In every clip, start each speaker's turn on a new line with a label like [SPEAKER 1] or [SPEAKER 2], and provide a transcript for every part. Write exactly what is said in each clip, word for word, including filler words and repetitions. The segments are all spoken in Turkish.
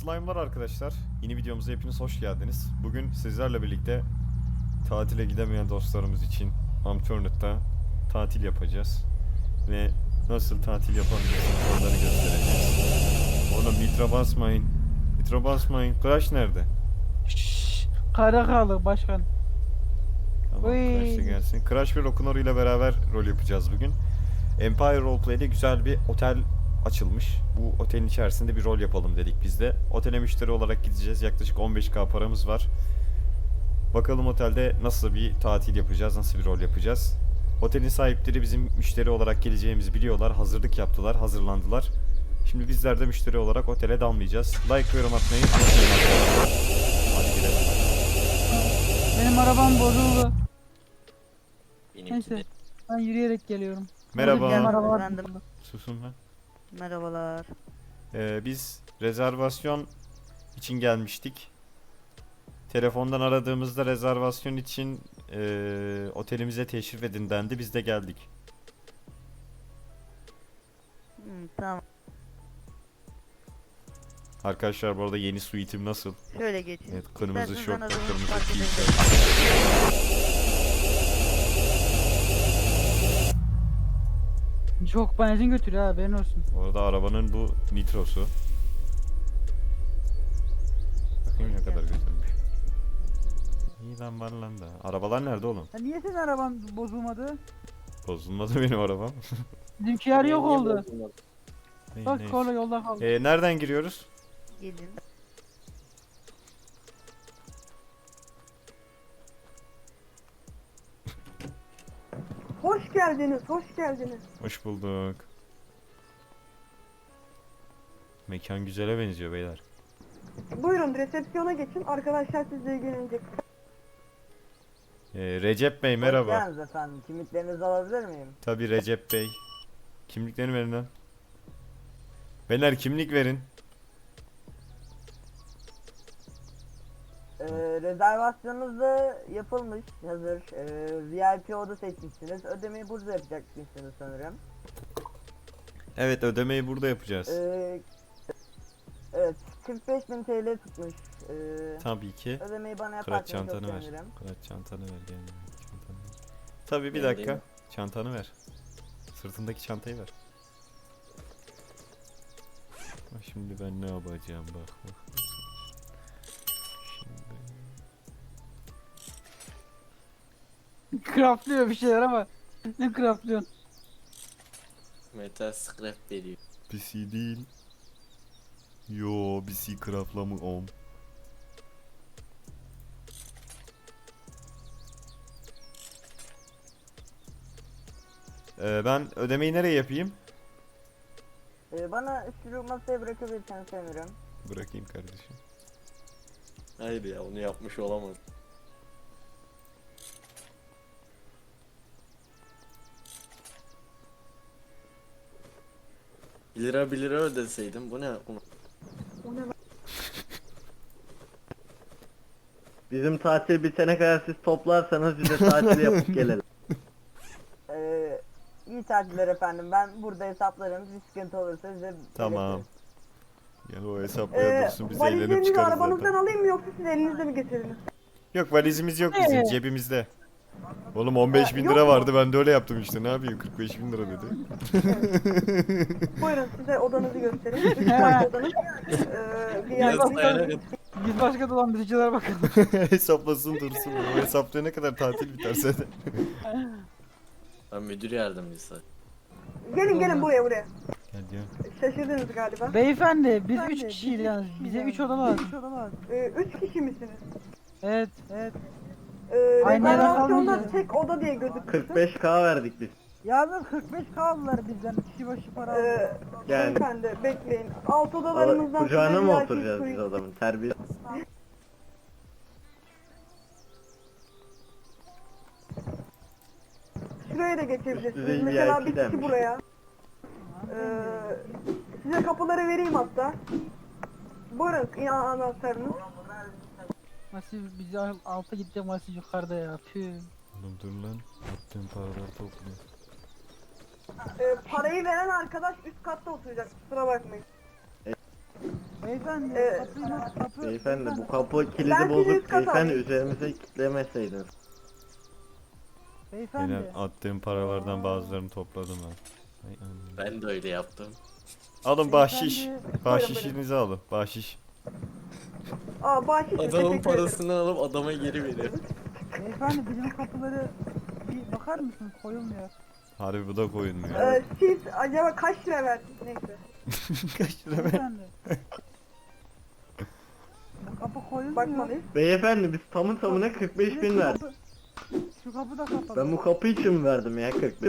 [SPEAKER 1] Slime'lar arkadaşlar. Yeni videomuza hepiniz hoş geldiniz. Bugün sizlerle birlikte tatile gidemeyen dostlarımız için Amtörnet'te tatil yapacağız. Ve nasıl tatil yapabilirsiniz onları göstereceğiz. Oğlum nitro basmayın. Nitro basmayın. Crash nerede?
[SPEAKER 2] Şşş, Karakalı başkan.
[SPEAKER 1] Tamam,
[SPEAKER 2] Oy.
[SPEAKER 1] Crash da gelsin. Crash ve Rokunoru ile beraber rol yapacağız bugün. Empire Roleplay'de güzel bir otel açılmış. Bu otelin içerisinde bir rol yapalım dedik biz de. Otele müşteri olarak gideceğiz. Yaklaşık on beş K paramız var. Bakalım otelde nasıl bir tatil yapacağız, nasıl bir rol yapacağız. Otelin sahipleri bizim müşteri olarak geleceğimizi biliyorlar. Hazırlık yaptılar, hazırlandılar. Şimdi bizler de müşteri olarak otele dalmayacağız. Like ve yorum atmayı unutmayın arkadaşlar. Hadi gidelim.
[SPEAKER 2] Benim arabam bozuldu.
[SPEAKER 3] Benimki
[SPEAKER 2] Neyse.
[SPEAKER 3] de.
[SPEAKER 2] Ben yürüyerek geliyorum.
[SPEAKER 1] Merhaba.
[SPEAKER 2] Benim araba
[SPEAKER 4] Efendim?
[SPEAKER 2] bozuldu.
[SPEAKER 1] Susun lan.
[SPEAKER 4] Merhabalar.
[SPEAKER 1] Ee, biz rezervasyon için gelmiştik. Telefondan aradığımızda rezervasyon için ee, otelimize teşrif edin dendi. Biz de geldik.
[SPEAKER 4] Hmm, tamam.
[SPEAKER 1] Arkadaşlar bu arada yeni suite'im nasıl?
[SPEAKER 4] Şöyle geçin.
[SPEAKER 1] Evet, kırmızı
[SPEAKER 4] İsterseniz
[SPEAKER 1] şortla
[SPEAKER 4] anadolu
[SPEAKER 1] kırmızı
[SPEAKER 4] fark
[SPEAKER 1] tişört.
[SPEAKER 4] edebilirim.
[SPEAKER 2] Çok benzin götürüyor ha, haberin olsun.
[SPEAKER 1] Bu arada arabanın bu nitrosu. Bakayım ne kadar götürmüş. İyi lan var lan da. Arabalar nerede oğlum?
[SPEAKER 2] Ya niye senin araban bozulmadı?
[SPEAKER 1] Bozulmadı benim arabam.
[SPEAKER 2] Bizimkiler yok oldu.
[SPEAKER 1] Ney,
[SPEAKER 2] Bak
[SPEAKER 1] neyse.
[SPEAKER 2] kola yolda kaldı.
[SPEAKER 1] Ee, nereden giriyoruz?
[SPEAKER 4] Gelin.
[SPEAKER 5] Hoş geldiniz, hoş geldiniz.
[SPEAKER 1] Hoş bulduk. Mekan güzele benziyor beyler.
[SPEAKER 5] Buyurun resepsiyona geçin, arkadaşlar sizle ilgilenecek.
[SPEAKER 1] Ee, Recep Bey merhaba.
[SPEAKER 6] Hoş geldiniz efendim. Kimliklerinizi alabilir miyim?
[SPEAKER 1] Tabii Recep Bey. Kimliklerini verin lan. Beyler kimlik verin.
[SPEAKER 6] Ee, rezervasyonunuz da yapılmış, hazır. Ee, V I P oda seçmişsiniz. Ödemeyi burada yapacaksınız sanırım.
[SPEAKER 1] Evet, ödemeyi burada yapacağız.
[SPEAKER 6] Ee, evet, kırk beş bin T L tutmuş. Ee,
[SPEAKER 1] Tabii ki.
[SPEAKER 6] ödemeyi bana
[SPEAKER 1] Kıraç
[SPEAKER 6] yaparsanız çok
[SPEAKER 1] çantanı ver.
[SPEAKER 6] sevinirim.
[SPEAKER 1] Kıraç çantanı ver. Gel. Çantanı ver. Tabii bir
[SPEAKER 3] Ben
[SPEAKER 1] dakika.
[SPEAKER 3] değil mi?
[SPEAKER 1] Çantanı ver. Sırtındaki çantayı ver. Bak şimdi ben ne yapacağım bak bak. Şimdi
[SPEAKER 2] Craftlıyor bir şeyler ama. Ne craftlıyorsun?
[SPEAKER 3] Metal scrap veriyor.
[SPEAKER 1] P C değil. Yo P C craftlamı om. Ee, ben ödemeyi nereye yapayım?
[SPEAKER 6] Ee, bana şu masaya bırakabilirseniz sevinirim.
[SPEAKER 1] Bırakayım kardeşim.
[SPEAKER 3] Hayır ya, onu yapmış olamaz. Bir lira bir lira ödeseydim bu ne?
[SPEAKER 7] Bizim tatil bitene kadar siz toplarsanız bize tatil yapıp gelelim.
[SPEAKER 6] Ee, iyi tatiller efendim. Ben burada hesaplarım. Bir sıkıntı olursa size
[SPEAKER 1] Tamam.
[SPEAKER 6] belirtirim.
[SPEAKER 1] Gel o hesaplara
[SPEAKER 5] Ee,
[SPEAKER 1] dursun biz eğlenip
[SPEAKER 5] valizlerinizi
[SPEAKER 1] çıkarız
[SPEAKER 5] arabanızdan
[SPEAKER 1] zaten.
[SPEAKER 5] alayım mı yoksa siz elinizde mi getirdiniz?
[SPEAKER 1] Yok valizimiz yok bizim
[SPEAKER 2] Ee?
[SPEAKER 1] cebimizde. Oğlum on beş
[SPEAKER 5] Ee,
[SPEAKER 1] bin
[SPEAKER 5] yok
[SPEAKER 1] lira
[SPEAKER 5] mu?
[SPEAKER 1] vardı ben de öyle yaptım işte ne yapayım kırk beş bin lira dedi.
[SPEAKER 5] Buyurun size odanızı göstereyim. Üç farklı odanız. Ee, V I P.
[SPEAKER 2] Biz başka dolandırıcılara bakalım.
[SPEAKER 1] Hesaplasın dursun. O hesaplayana kadar tatil biterse de.
[SPEAKER 3] Ben müdür yardımcısı.
[SPEAKER 5] Gelin gelin buraya buraya.
[SPEAKER 1] Gel diyor.
[SPEAKER 5] Şaşırdınız galiba.
[SPEAKER 2] Beyefendi biz üç kişiyiz yalnız. Bize üç oda lazım.
[SPEAKER 5] Ee, üç kişi misiniz?
[SPEAKER 2] Evet, evet.
[SPEAKER 5] Ee,
[SPEAKER 2] Aynı yere
[SPEAKER 5] rezervasyonda
[SPEAKER 2] kalmayacağız.
[SPEAKER 5] tek oda diye gözükmüştü.
[SPEAKER 7] kırk beş K verdik biz.
[SPEAKER 2] Yalnız kırk beş kaldılar bizden. Kişi başı para aldı.
[SPEAKER 5] Ee,
[SPEAKER 7] Yani
[SPEAKER 5] Beyefendi bekleyin. Alt
[SPEAKER 7] o,
[SPEAKER 5] odalarımızdan
[SPEAKER 7] kucağına
[SPEAKER 5] size
[SPEAKER 7] mı
[SPEAKER 5] V I P
[SPEAKER 7] oturacağız biz
[SPEAKER 5] suite-
[SPEAKER 7] adamın? Terbiye.
[SPEAKER 5] Şuraya da
[SPEAKER 7] Üst düzey
[SPEAKER 5] geçebilirsiniz.
[SPEAKER 7] V I P
[SPEAKER 5] Mesela bir kişi
[SPEAKER 7] denmiş.
[SPEAKER 5] buraya. Ee, size kapıları vereyim hatta. Buyurun ya anahtarınız.
[SPEAKER 2] Nasıl biz al- alta gideceğim, nasıl yukarıda ya. Tüh.
[SPEAKER 1] Oğlum dur lan. Attığım paraları topluyor.
[SPEAKER 5] Ee, parayı veren arkadaş üst katta oturacak. Kusura bakmayın.
[SPEAKER 2] Beyefendi
[SPEAKER 5] Ee,
[SPEAKER 2] kapıyı nasıl kapı?
[SPEAKER 7] Beyefendi bu kapı
[SPEAKER 5] Ben
[SPEAKER 7] kilidi
[SPEAKER 5] sizi
[SPEAKER 7] bozuk.
[SPEAKER 5] üst kata
[SPEAKER 7] Beyefendi
[SPEAKER 5] alayım.
[SPEAKER 7] üzerimize kilitlemeseydiniz.
[SPEAKER 2] Beyefendi.
[SPEAKER 1] Yine attığım paralardan bazılarını topladım ben. Ay anam.
[SPEAKER 3] Ben de öyle yaptım.
[SPEAKER 1] Alın bahşiş.
[SPEAKER 2] Beyefendi-
[SPEAKER 1] Bahşişinizi alın. Bahşiş.
[SPEAKER 5] Aa bahşiş.
[SPEAKER 3] Adamın
[SPEAKER 5] teşekkür ederim.
[SPEAKER 3] parasını alıp adama geri veriyor.
[SPEAKER 2] Beyefendi bizim kapıları bir bakar mısınız? Koyulmuyor.
[SPEAKER 1] Harbi bu da koyulmuyor.
[SPEAKER 5] Ee, siz acaba kaç lira verdiniz? Neyse.
[SPEAKER 1] Kaç lira ver?
[SPEAKER 2] Beyefendi. Bu kapı koyulmuyor.
[SPEAKER 5] Bakmalıyız.
[SPEAKER 7] Beyefendi biz tamı tamına kırk beş
[SPEAKER 2] Bir de
[SPEAKER 7] bin
[SPEAKER 2] şu
[SPEAKER 7] verdik.
[SPEAKER 2] kapı- Şu kapı da kapalı.
[SPEAKER 7] Ben bu kapı için mi verdim ya kırk bin?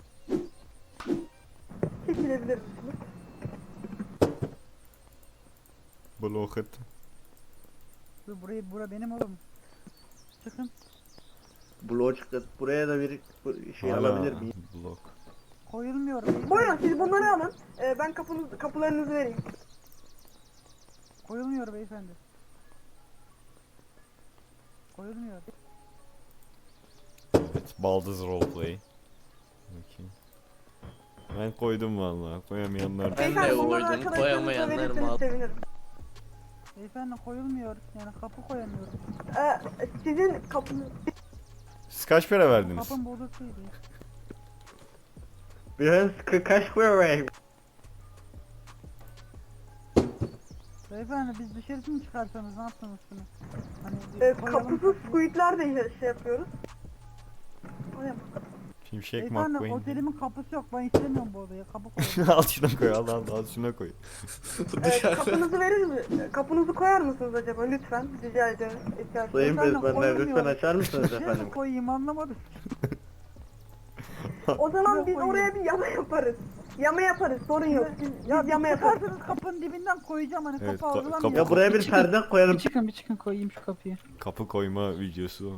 [SPEAKER 5] Çekilebilir misiniz?
[SPEAKER 1] Blok et.
[SPEAKER 2] Dur, burayı bura benim oğlum. Çıkın.
[SPEAKER 7] Bloğu çıktı. Buraya da bir bu- şey
[SPEAKER 1] Hala
[SPEAKER 7] alabilir miyim?
[SPEAKER 1] Blok.
[SPEAKER 2] Koyulmuyor. beyefendi.
[SPEAKER 5] Buyurun siz bunları alın. Ee, ben kapınız, kapılarınızı vereyim.
[SPEAKER 2] Koyulmuyor beyefendi. Koyulmuyor.
[SPEAKER 1] Evet, baldız roleplay. Bakayım. Ben koydum vallahi. Koyamayanlar da.
[SPEAKER 3] Ben de
[SPEAKER 5] Beyefendi bunları
[SPEAKER 3] uydum,
[SPEAKER 5] arkadaşlarınıza
[SPEAKER 3] koyamayanlar
[SPEAKER 5] verirseniz
[SPEAKER 3] mal.
[SPEAKER 5] sevinirim.
[SPEAKER 2] Beyefendi koyulmuyor. Yani kapı koyamıyorum.
[SPEAKER 5] Ee, sizin kapınız...
[SPEAKER 1] Siz kaç para verdiniz?
[SPEAKER 2] Kapım bozukluydu.
[SPEAKER 7] Biraz ka- kaç para ver?
[SPEAKER 2] Beyefendi biz dışarı mı çıkarsanız ne yaptınız şunu? Hani bir
[SPEAKER 5] Ee,
[SPEAKER 2] koyalım
[SPEAKER 5] kapısız
[SPEAKER 2] kapıyı.
[SPEAKER 5] squidler de şey yapıyoruz. Oraya bak.
[SPEAKER 1] Şimşek
[SPEAKER 2] Beyefendi
[SPEAKER 1] McQueen.
[SPEAKER 2] otelimin kapısı yok. Ben istemiyorum bu odayı. Kapı koyun.
[SPEAKER 1] Al şuna koy, al al al şuna koy.
[SPEAKER 5] Ee,
[SPEAKER 3] Dışarı.
[SPEAKER 5] kapınızı verir mi? Kapınızı koyar mısınız acaba lütfen? Rica ederim. İhtiyaç var.
[SPEAKER 7] Sayın
[SPEAKER 2] Beyefendi,
[SPEAKER 7] Bezmenler lütfen
[SPEAKER 2] koyulmuyor.
[SPEAKER 7] açar mısınız
[SPEAKER 2] Nereye
[SPEAKER 7] efendim?
[SPEAKER 2] koyayım anlamadım.
[SPEAKER 5] O zaman
[SPEAKER 2] Şuraya
[SPEAKER 5] biz
[SPEAKER 2] koyayım.
[SPEAKER 5] oraya bir yama yaparız. Yama yaparız sorun yok. Biz,
[SPEAKER 2] Ya
[SPEAKER 5] biz
[SPEAKER 2] bir
[SPEAKER 5] yama yaparız.
[SPEAKER 2] çıkarsanız kapının dibinden koyacağım hani
[SPEAKER 1] Evet,
[SPEAKER 2] kapı
[SPEAKER 1] ka-
[SPEAKER 2] algılamıyor.
[SPEAKER 1] kapı-
[SPEAKER 7] Ya buraya bir perde koyalım.
[SPEAKER 2] Bir çıkın bir çıkın koyayım şu kapıyı.
[SPEAKER 1] Kapı koyma videosu.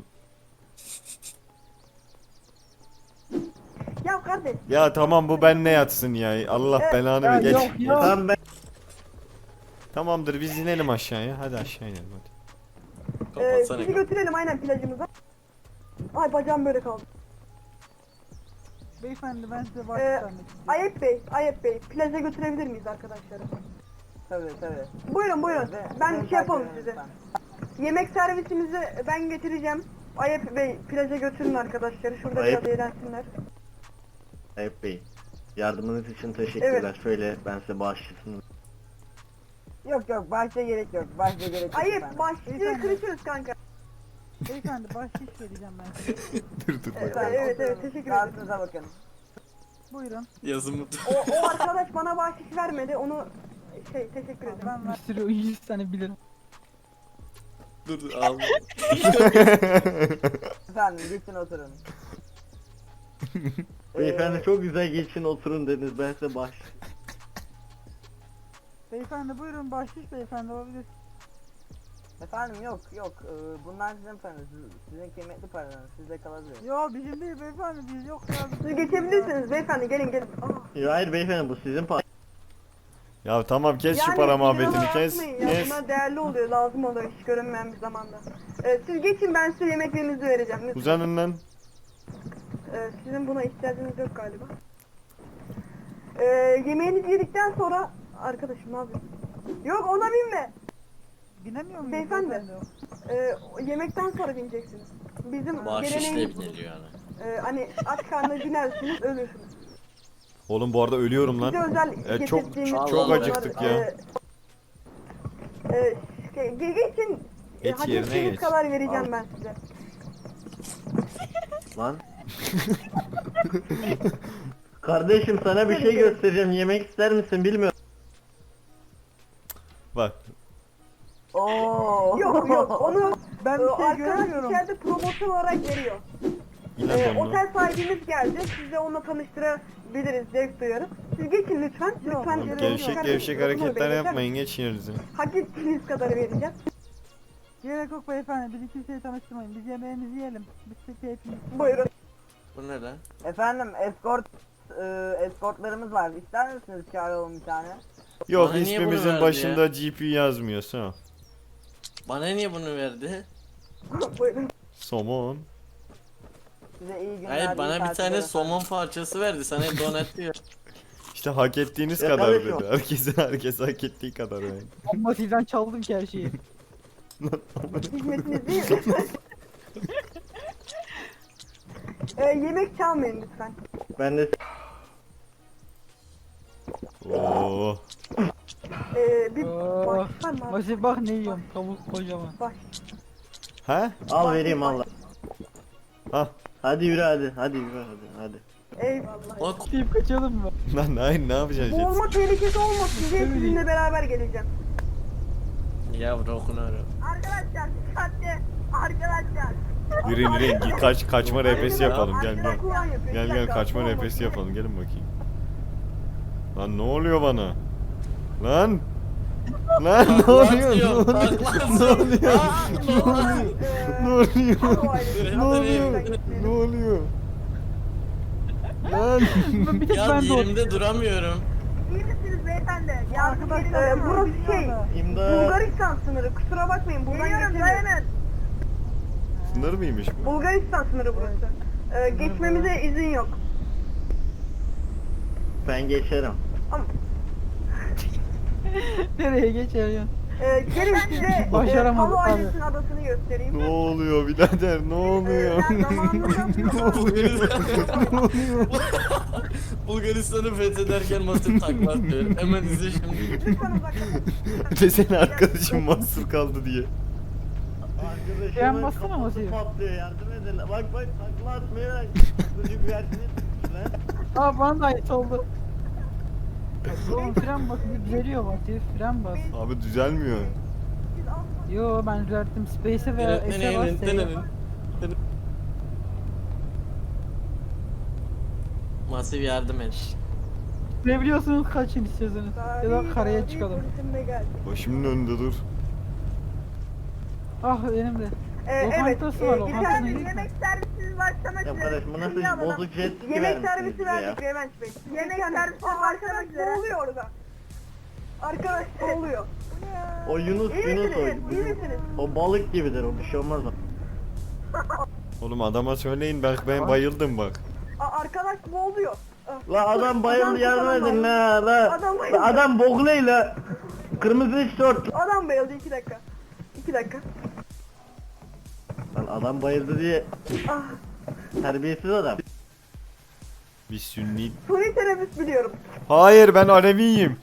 [SPEAKER 5] Ya kardeş
[SPEAKER 1] Ya tamam bu benle yatsın ya. Allah
[SPEAKER 5] Evet.
[SPEAKER 1] belanı
[SPEAKER 2] Ya
[SPEAKER 1] ver. Geç.
[SPEAKER 2] yok,
[SPEAKER 1] geç.
[SPEAKER 2] yok.
[SPEAKER 7] Tamam ben
[SPEAKER 1] Tamamdır biz inelim aşağıya. Hadi aşağı inelim hadi.
[SPEAKER 5] e,
[SPEAKER 3] Kapatsana
[SPEAKER 5] sizi
[SPEAKER 3] kapıyı.
[SPEAKER 5] götürelim aynen plajımıza. Ay bacağım böyle kaldı.
[SPEAKER 2] Beyefendi ben size
[SPEAKER 5] Ee,
[SPEAKER 2] başlamak istiyorum.
[SPEAKER 5] Ayep Bey, Ayep Bey plaja götürebilir miyiz arkadaşları?
[SPEAKER 6] Tabii tabii.
[SPEAKER 5] Buyurun buyurun. Ben
[SPEAKER 6] Beni
[SPEAKER 5] şey yapalım
[SPEAKER 6] takip
[SPEAKER 5] size.
[SPEAKER 6] edin
[SPEAKER 5] Yemek servisimizi ben getireceğim. Ayep Bey plaja götürün arkadaşları. Şurada
[SPEAKER 7] Ayep.
[SPEAKER 5] biraz eğlensinler.
[SPEAKER 7] Ayıp Bey. Yardımınız için teşekkürler. Şöyle ben size bağışlasın.
[SPEAKER 6] Yok yok başta gerek yok. Başta gerek yok.
[SPEAKER 5] Ayep
[SPEAKER 6] efendim.
[SPEAKER 5] başlığı
[SPEAKER 2] Beyefendi.
[SPEAKER 5] kırışırız kanka.
[SPEAKER 2] Beyefendi bahşiş vereceğim ben size.
[SPEAKER 1] Dur dur bak.
[SPEAKER 5] Evet, evet, evet, teşekkür ederim.
[SPEAKER 6] Rahatınıza bakın.
[SPEAKER 2] Buyurun.
[SPEAKER 3] Yazımı
[SPEAKER 5] O, o arkadaş bana bahşiş vermedi. Onu şey teşekkür ederim.
[SPEAKER 2] Ben bir sürü yüz tane bilirim.
[SPEAKER 3] dur dur, al.
[SPEAKER 6] Efendim geçin oturun.
[SPEAKER 7] Beyefendi çok güzel geçin oturun dediniz. Ben size bağış.
[SPEAKER 2] Beyefendi buyurun bahşiş beyefendi olabilir.
[SPEAKER 6] Efendim yok yok. Ee, bunlar sizin paranız. Siz- Sizin kıymetli paranız. Sizde kalabilir.
[SPEAKER 2] Yo bizim değil beyefendi biz yok ya.
[SPEAKER 5] Siz geçebilirsiniz beyefendi gelin gelin. Aa.
[SPEAKER 7] Ya hayır beyefendi bu sizin pa-
[SPEAKER 1] Ya tamam kes şu
[SPEAKER 5] Yani
[SPEAKER 1] para
[SPEAKER 5] liralar
[SPEAKER 1] muhabbetini kes.
[SPEAKER 5] atmayın ya,
[SPEAKER 1] Kes.
[SPEAKER 5] bunlar değerli oluyor, lazım oluyor hiç görünmeyen bir zamanda. Ee, siz geçin ben size yemeklerinizi vereceğim. Lütfen.
[SPEAKER 1] Uzanın lan.
[SPEAKER 5] Ee, sizin buna ihtiyacınız yok galiba. Ee, yemeğinizi yedikten sonra arkadaşım ne yapıyorsun? Yok ona binme.
[SPEAKER 2] Binemiyor muyum
[SPEAKER 5] Beyefendi. Ee, o yemekten sonra bineceksiniz. Bizim
[SPEAKER 3] Bahşişle
[SPEAKER 5] geleneğimiz bu.
[SPEAKER 3] biniliyor yani.
[SPEAKER 5] Ee, hani aç karnına binersiniz ölürsünüz.
[SPEAKER 1] Oğlum bu arada ölüyorum
[SPEAKER 5] Bize
[SPEAKER 1] lan.
[SPEAKER 5] özel
[SPEAKER 1] Evet, çok-
[SPEAKER 5] getirdiğimiz
[SPEAKER 3] çok
[SPEAKER 5] çorbalar,
[SPEAKER 1] acıktık ya.
[SPEAKER 5] e, e, şey, ge- geçin. E,
[SPEAKER 1] Geç
[SPEAKER 5] hak
[SPEAKER 1] yerine
[SPEAKER 5] ettiğiniz
[SPEAKER 1] geç.
[SPEAKER 5] kadar vereceğim
[SPEAKER 7] Al.
[SPEAKER 5] ben size.
[SPEAKER 7] Lan. Kardeşim sana bir şey göstereceğim. Yemek ister misin bilmiyorum.
[SPEAKER 1] Bak.
[SPEAKER 6] Oo.
[SPEAKER 5] Yok yok onu
[SPEAKER 2] Ben
[SPEAKER 5] e,
[SPEAKER 2] bir şey
[SPEAKER 5] arkadaş
[SPEAKER 2] göremiyorum.
[SPEAKER 5] içeride promosyon olarak veriyor.
[SPEAKER 1] İnan
[SPEAKER 5] E,
[SPEAKER 1] onu.
[SPEAKER 5] otel sahibimiz geldi. Size onunla tanıştırabiliriz. Zevk duyarız. Siz geçin lütfen.
[SPEAKER 2] Yok,
[SPEAKER 5] Lütfen.
[SPEAKER 2] yok.
[SPEAKER 5] e,
[SPEAKER 1] Gevşek
[SPEAKER 5] lütfen-
[SPEAKER 1] gevşek
[SPEAKER 5] lütfen
[SPEAKER 1] hareketler
[SPEAKER 5] beyler.
[SPEAKER 1] yapmayın geçin yerinize.
[SPEAKER 5] Hak ettiğiniz kadar vereceğim.
[SPEAKER 2] Gerek yok beyefendi bizi kimseye tanıştırmayın. Biz yemeğimizi yiyelim. Biz de keyfimiz.
[SPEAKER 5] Buyurun.
[SPEAKER 3] Bu ne lan?
[SPEAKER 6] Efendim escort e, escortlarımız var. İster misiniz çağıralım bir tane?
[SPEAKER 1] Yok
[SPEAKER 3] Bana niye bunu
[SPEAKER 1] ismimizin
[SPEAKER 3] verdi
[SPEAKER 1] başında G P yazmıyorsa.
[SPEAKER 3] Bana niye bunu verdi?
[SPEAKER 5] Buyurun.
[SPEAKER 1] Somon.
[SPEAKER 6] Size iyi günler.
[SPEAKER 3] Hayır
[SPEAKER 6] iyi
[SPEAKER 3] bana bir
[SPEAKER 6] tatiller
[SPEAKER 3] tane
[SPEAKER 6] efendim.
[SPEAKER 3] somon parçası verdi. Sana donat diyor.
[SPEAKER 1] İşte İşte hak ettiğiniz
[SPEAKER 7] Ya
[SPEAKER 1] kadar
[SPEAKER 7] kardeşim.
[SPEAKER 1] dedi. Herkese herkes hak ettiği kadar yani.
[SPEAKER 2] Ama sizden çaldım ki her şeyi.
[SPEAKER 5] Hizmetiniz değil mi? Ee, yemek çalmayın lütfen.
[SPEAKER 7] Ben de
[SPEAKER 1] Oo.
[SPEAKER 5] Ee, bir
[SPEAKER 2] Oo.
[SPEAKER 5] baş var mı abi?
[SPEAKER 2] Masif bak ne yiyorum. Tavuk kocaman.
[SPEAKER 5] Baş.
[SPEAKER 1] Ha?
[SPEAKER 7] al vereyim al.
[SPEAKER 1] Ha.
[SPEAKER 7] Hadi yürü hadi. Hadi yürü hadi. Hadi.
[SPEAKER 5] Eyvallah.
[SPEAKER 3] O
[SPEAKER 2] Deyip kaçalım mı?
[SPEAKER 1] Lan hayır ne yapacağız? jet
[SPEAKER 5] Boğulma
[SPEAKER 1] ski?
[SPEAKER 5] tehlikesi olmasın diye sizinle beraber geleceğim.
[SPEAKER 3] ya Rokunaru.
[SPEAKER 5] Arkadaşlar dikkatli. Arkadaşlar.
[SPEAKER 1] Yürüyün yürüyün. Git Kaç, kaçma R P S yapalım. Gel gel.
[SPEAKER 5] Arkadaşlar kulağın yapıyor.
[SPEAKER 1] Gel
[SPEAKER 5] Bir
[SPEAKER 1] gel
[SPEAKER 5] dakika,
[SPEAKER 1] kaçma
[SPEAKER 5] boğulma.
[SPEAKER 1] R P S yapalım. Gelin bakayım. Lan ne oluyor bana? Lan! Lan ne oluyor? Ne oluyor? Ne oluyor? Ne oluyor?
[SPEAKER 5] Ee,
[SPEAKER 1] Ne oluyor? Ne oluyor? Lan!
[SPEAKER 2] Bir tek
[SPEAKER 3] Ya
[SPEAKER 2] ben doğdum.
[SPEAKER 3] yerimde duramıyorum.
[SPEAKER 5] İyi misiniz beyefendi? Ya arkadaşlar e, burası şey
[SPEAKER 7] İmdat.
[SPEAKER 5] Bulgaristan sınırı. Kusura bakmayın buradan geçemiyoruz.
[SPEAKER 1] Sınır mıymış bu?
[SPEAKER 5] Bulgaristan sınırı burası. E, geçmemize izin yok.
[SPEAKER 7] Ben geçerim.
[SPEAKER 5] Ama
[SPEAKER 2] Nereye geçeriyorsun?
[SPEAKER 5] e, gelin size e,
[SPEAKER 2] Başaramadım
[SPEAKER 5] Palu
[SPEAKER 2] abi.
[SPEAKER 5] ailesinin adasını göstereyim.
[SPEAKER 1] Ne oluyor birader? Ne oluyor?
[SPEAKER 5] E, ben zamanında
[SPEAKER 3] Bulgaristan'ı fethederken Masif takla atıyor. Hemen izle şimdi.
[SPEAKER 5] lütfen uzaklaşın.
[SPEAKER 1] Desene arkadaşım mahsur kaldı diye.
[SPEAKER 7] Arkadaşımın
[SPEAKER 2] Fren bassana
[SPEAKER 7] kafası
[SPEAKER 2] Masif.
[SPEAKER 7] patlıyor yardım edin. Bak bak takla atmıyor. Çocuk versene. Lan.
[SPEAKER 2] Aa bana da ait oldu. Oğlum fren bas, bir düzeliyor Masif. Fren bas.
[SPEAKER 1] Abi düzelmiyor.
[SPEAKER 2] Yo ben düzelttim. Space'e ve S'e bas. S'e bas.
[SPEAKER 3] Masif yardım et.
[SPEAKER 2] Ne biliyorsunuz kaçın istiyorsanız. Ya da karaya çıkalım.
[SPEAKER 5] Polisim de geldi.
[SPEAKER 1] Başımın önünde dur.
[SPEAKER 2] Ah benim de.
[SPEAKER 5] E, evet,
[SPEAKER 2] Lokantası var,
[SPEAKER 5] e,
[SPEAKER 2] lokantasına
[SPEAKER 5] içeride
[SPEAKER 2] gitme.
[SPEAKER 5] yemek servisi başlamak
[SPEAKER 7] Ya
[SPEAKER 5] üzere.
[SPEAKER 7] kardeşim bu nasıl
[SPEAKER 5] Şimdi alalım.
[SPEAKER 7] bozuk jet ski
[SPEAKER 5] Yemek
[SPEAKER 7] vermişsiniz
[SPEAKER 5] servisi
[SPEAKER 7] bize ya.
[SPEAKER 5] verdik Revent Bey. Yemek servisi başlamak üzere. Ne oluyor orada? Arkadaş ne oluyor?
[SPEAKER 7] O Yunus
[SPEAKER 5] İyi
[SPEAKER 7] Yunus
[SPEAKER 5] misiniz?
[SPEAKER 7] o.
[SPEAKER 5] İyi misiniz?
[SPEAKER 7] O balık gibidir o bir şey olmaz o.
[SPEAKER 1] Oğlum adama söyleyin bak ben bayıldım bak.
[SPEAKER 5] A, arkadaş boğuluyor. Ah.
[SPEAKER 7] La adam bayıldı yardım
[SPEAKER 5] adam
[SPEAKER 7] edin
[SPEAKER 5] bayıldı.
[SPEAKER 7] la la.
[SPEAKER 5] Adam bayıldı.
[SPEAKER 7] La adam boğulayla. Kırmızı tişört.
[SPEAKER 5] Adam bayıldı iki dakika. İki dakika.
[SPEAKER 7] Lan adam bayıldı diye
[SPEAKER 5] Ah.
[SPEAKER 7] terbiyesiz adam.
[SPEAKER 1] Bir sünni.
[SPEAKER 5] Suni teneffüs biliyorum.
[SPEAKER 1] Hayır ben Aleviyim.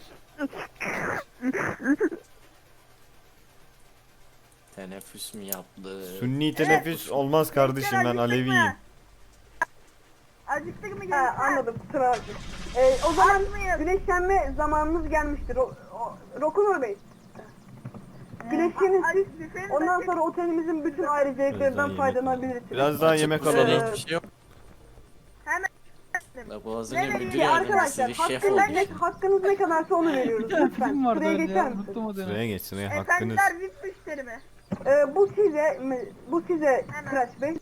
[SPEAKER 3] Teneffüs mü yaptı?
[SPEAKER 1] Sünni teneffüs olmaz kardeşim ben Aleviyim.
[SPEAKER 5] Acıktık mı Ha, anladım kusura bakmayın. Ee, o zaman güneşlenme zamanınız gelmiştir. O, o, Rokunur Bey. Güneşlenin siz. Ondan sonra otelimizin bütün
[SPEAKER 1] Biraz
[SPEAKER 5] ayrıcalıklarından
[SPEAKER 1] daha yemek
[SPEAKER 5] faydalanabilirsiniz.
[SPEAKER 1] Biraz daha yemek
[SPEAKER 3] Açık
[SPEAKER 1] alalım.
[SPEAKER 3] büfede hiçbir şey yok.
[SPEAKER 5] Hemen.
[SPEAKER 3] La boğazını
[SPEAKER 5] Ne
[SPEAKER 3] müdür
[SPEAKER 5] vereyim
[SPEAKER 3] yardımcısı
[SPEAKER 5] arkadaşlar?
[SPEAKER 3] bir şef
[SPEAKER 5] Hakkınız
[SPEAKER 3] oldu.
[SPEAKER 5] ne, hakkınız ne kadarsa onu
[SPEAKER 2] Bir
[SPEAKER 5] veriyoruz.
[SPEAKER 2] tane
[SPEAKER 5] Lütfen.
[SPEAKER 2] film vardı
[SPEAKER 5] Buraya
[SPEAKER 2] öyle
[SPEAKER 5] geçer
[SPEAKER 2] ya.
[SPEAKER 5] misiniz?
[SPEAKER 2] Unuttum o dönemi.
[SPEAKER 1] Sıraya geç sıraya hakkınız.
[SPEAKER 5] V I P müşteri mi? Ee, bu size, bu size Kıraç Bey.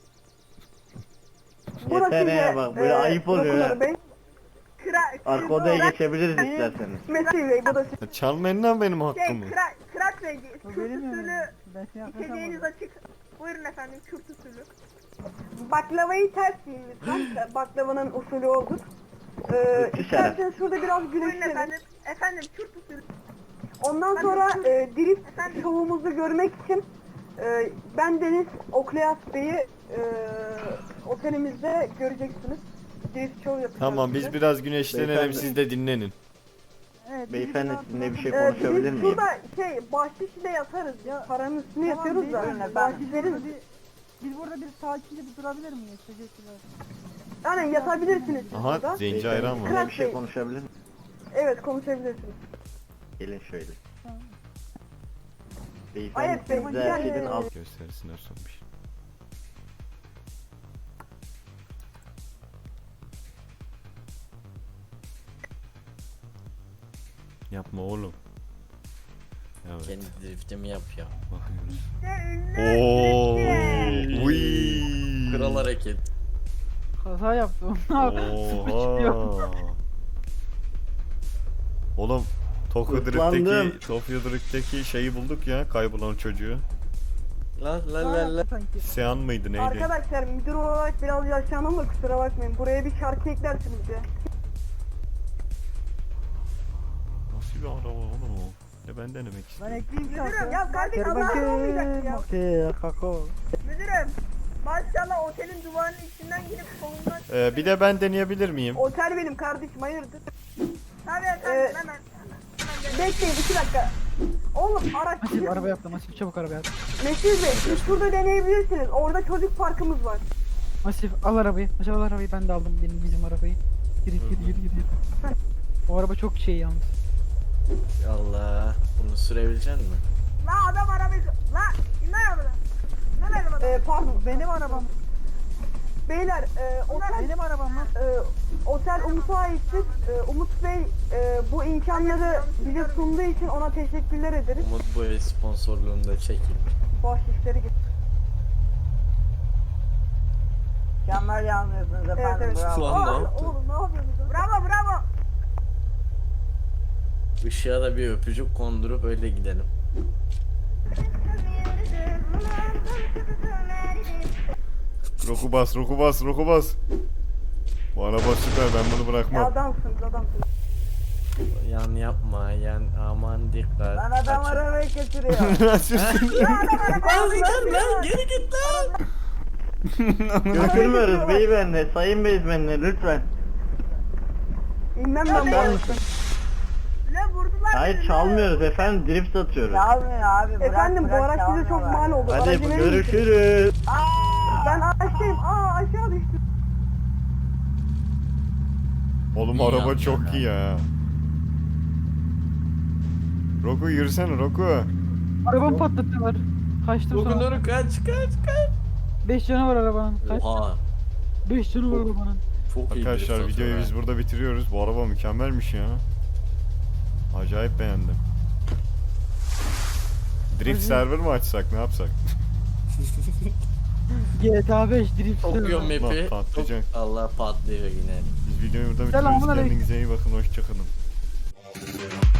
[SPEAKER 7] Yeter ya bak böyle ayıp oluyor
[SPEAKER 5] Rokunur
[SPEAKER 7] ya.
[SPEAKER 5] Bey.
[SPEAKER 7] Arka odaya geçebiliriz isterseniz.
[SPEAKER 5] Mesih Bey bu da size.
[SPEAKER 1] Ya çalmayın lan benim hakkımı.
[SPEAKER 5] Kıraç Bey,
[SPEAKER 2] O
[SPEAKER 5] Kürt
[SPEAKER 2] benim
[SPEAKER 5] usulü
[SPEAKER 2] yani. Ben seni
[SPEAKER 5] içeceğiniz
[SPEAKER 2] yaklaşamadım.
[SPEAKER 5] açık. Buyurun efendim Kürt usulü. Baklavayı ters yiyin lütfen. Baklavanın usulü odur. Ee,
[SPEAKER 7] Lütfü
[SPEAKER 5] isterseniz şurada biraz güneşlenin. Efendim, efendim Kürt usulü. Ondan sonra e, drift şovumuzu görmek için e, ben Deniz Okleas Bey'i e, otelimizde göreceksiniz. Drift show yapacağız.
[SPEAKER 1] Tamam biz
[SPEAKER 5] size.
[SPEAKER 1] biraz güneşlenelim
[SPEAKER 7] Beyefendi.
[SPEAKER 1] siz de dinlenin.
[SPEAKER 2] Evet,
[SPEAKER 7] Beyefendi
[SPEAKER 2] biraz-
[SPEAKER 7] sizinle bir şey
[SPEAKER 5] Ee,
[SPEAKER 7] konuşabilir
[SPEAKER 5] biz
[SPEAKER 7] miyim?
[SPEAKER 5] şurada şey bahşişle yatarız ya. Paranın üstüne
[SPEAKER 2] Tamam,
[SPEAKER 5] yatıyoruz da.
[SPEAKER 2] beyefendi,
[SPEAKER 5] Bahşiş veririz.
[SPEAKER 2] Biz, biz burada bir sakince bir durabilir miyiz? Teşekkürler.
[SPEAKER 5] Yani yatabilirsiniz siz
[SPEAKER 1] Aha
[SPEAKER 5] burada.
[SPEAKER 1] zenci ayran var.
[SPEAKER 7] Sizinle bir şey konuşabilir miyim?
[SPEAKER 5] Evet konuşabilirsiniz.
[SPEAKER 7] Gelin şöyle.
[SPEAKER 2] Tamam.
[SPEAKER 7] Beyefendi
[SPEAKER 5] Ayıp Bey,
[SPEAKER 7] siz de her
[SPEAKER 5] yani-
[SPEAKER 7] şeyden al.
[SPEAKER 1] Göstersinler son bir şey. Yapma oğlum. Evet.
[SPEAKER 3] Kendi driftimi yap ya.
[SPEAKER 1] Bakıyoruz. Oo. Uy.
[SPEAKER 3] Kral hareket.
[SPEAKER 2] Kaza yaptım.
[SPEAKER 1] Oha. Oğlum Tokyo
[SPEAKER 7] Islandım.
[SPEAKER 1] Drift'teki Tokyo Drift'teki şeyi bulduk ya kaybolan çocuğu.
[SPEAKER 3] La la la la.
[SPEAKER 2] Sanki.
[SPEAKER 1] Sean mıydı neydi?
[SPEAKER 5] Arkadaşlar müdür olarak biraz yaşlandım da kusura bakmayın. Buraya bir şarkı eklersiniz ya.
[SPEAKER 1] nasıl bir araba oğlum o? Ya ben denemek
[SPEAKER 2] Ben
[SPEAKER 1] istiyorum.
[SPEAKER 2] ekleyeyim
[SPEAKER 5] Müdürüm
[SPEAKER 2] şarkı.
[SPEAKER 5] ya kardeş
[SPEAKER 2] Gel
[SPEAKER 5] Allah'ın olmayacak ya.
[SPEAKER 2] bakayım. Kako.
[SPEAKER 5] Müdürüm. Maşallah otelin duvarının içinden girip solundan.
[SPEAKER 1] Ee, bir de ben deneyebilir miyim?
[SPEAKER 5] Otel benim kardeşim hayırdır? Tabii efendim hemen. Bekleyin iki dakika. Oğlum araç.
[SPEAKER 2] Masif araba yaptı. Masif çabuk araba yap.
[SPEAKER 5] Mesut Bey siz şurada deneyebilirsiniz. Orada çocuk parkımız var.
[SPEAKER 2] Masif al arabayı. Masif al arabayı. Ben de aldım benim bizim arabayı. Gir gir gir gir gir. O araba çok şey yalnız.
[SPEAKER 3] Allah. Bunu sürebilecek misin?
[SPEAKER 5] La adam arabayı... La in lan arabadan. Ne arabadan? Ee, pardon.
[SPEAKER 2] Benim arabam.
[SPEAKER 5] Beyler e, otel...
[SPEAKER 2] Benim arabam lan.
[SPEAKER 5] e, otel Umut'a aittir. E, Umut Bey e, bu imkanları bize sunduğu için ona teşekkürler ederiz.
[SPEAKER 3] Umut bu el sponsorluğunu da çekeyim.
[SPEAKER 5] Bahşişleri git.
[SPEAKER 6] Mükemmel yanmıyorsunuz
[SPEAKER 5] Evet
[SPEAKER 6] efendim
[SPEAKER 5] evet.
[SPEAKER 6] bravo.
[SPEAKER 3] Lan ne
[SPEAKER 5] Aa,
[SPEAKER 3] yaptın?
[SPEAKER 5] oğlum ne yapıyorsunuz? Bravo bravo.
[SPEAKER 3] Işığa da bir öpücük kondurup öyle gidelim.
[SPEAKER 1] Roku bas, roku bas, roku bas. Bu araba süper, ben bunu
[SPEAKER 5] Ya
[SPEAKER 1] bırakmam.
[SPEAKER 5] adamsınız adamsınız.
[SPEAKER 3] Yan yapma, yan aman dikkat.
[SPEAKER 6] Lan adam
[SPEAKER 3] Kaçın.
[SPEAKER 6] arabayı getiriyor.
[SPEAKER 1] Sürsün.
[SPEAKER 3] Lan gel lan geri git lan.
[SPEAKER 7] Götürmüyoruz beyefendi, sayın beyefendi lütfen.
[SPEAKER 5] İnmem ben bu
[SPEAKER 7] Sen
[SPEAKER 5] arabadan.
[SPEAKER 7] misin?
[SPEAKER 5] Ne vurdular
[SPEAKER 7] Hayır çalmıyoruz efendim, drift atıyoruz.
[SPEAKER 6] Çalmıyor abi bırak
[SPEAKER 5] Efendim bu
[SPEAKER 6] bırak,
[SPEAKER 5] araç bize çok
[SPEAKER 6] çalmıyorlar.
[SPEAKER 5] mal oldu.
[SPEAKER 7] Hadi
[SPEAKER 5] Aracı verir misiniz?
[SPEAKER 7] görüşürüz.
[SPEAKER 5] Ben aşağıyım. Aa aşağı düştüm.
[SPEAKER 1] Oğlum
[SPEAKER 3] İyi
[SPEAKER 1] araba
[SPEAKER 3] yaptın
[SPEAKER 1] çok
[SPEAKER 3] ha.
[SPEAKER 1] iyi ya. Roku yürüsene Roku.
[SPEAKER 2] Arabamı patlattılar. Kaçtım
[SPEAKER 3] Bugün
[SPEAKER 2] sonra.
[SPEAKER 3] doğru kaç kaç kaç.
[SPEAKER 2] beş canı var arabanın. Kaç?
[SPEAKER 3] Oha.
[SPEAKER 2] beş canı var arabanın.
[SPEAKER 3] Çok iyi
[SPEAKER 1] Arkadaşlar
[SPEAKER 3] drift
[SPEAKER 1] videoyu
[SPEAKER 3] atıyor
[SPEAKER 1] biz
[SPEAKER 3] ha.
[SPEAKER 1] burada bitiriyoruz. Bu araba mükemmelmiş ya. Acayip beğendim. Drift server mı açsak, ne yapsak?
[SPEAKER 2] G T A beş drift.
[SPEAKER 3] Okuyor map'i.
[SPEAKER 1] Lan patlayacak.
[SPEAKER 3] Allah patlıyor yine.
[SPEAKER 1] Biz videoyu burada
[SPEAKER 2] Selamun
[SPEAKER 1] bitiriyoruz.
[SPEAKER 2] aleyküm.
[SPEAKER 1] Kendinize iyi bakın. Hoşçakalın.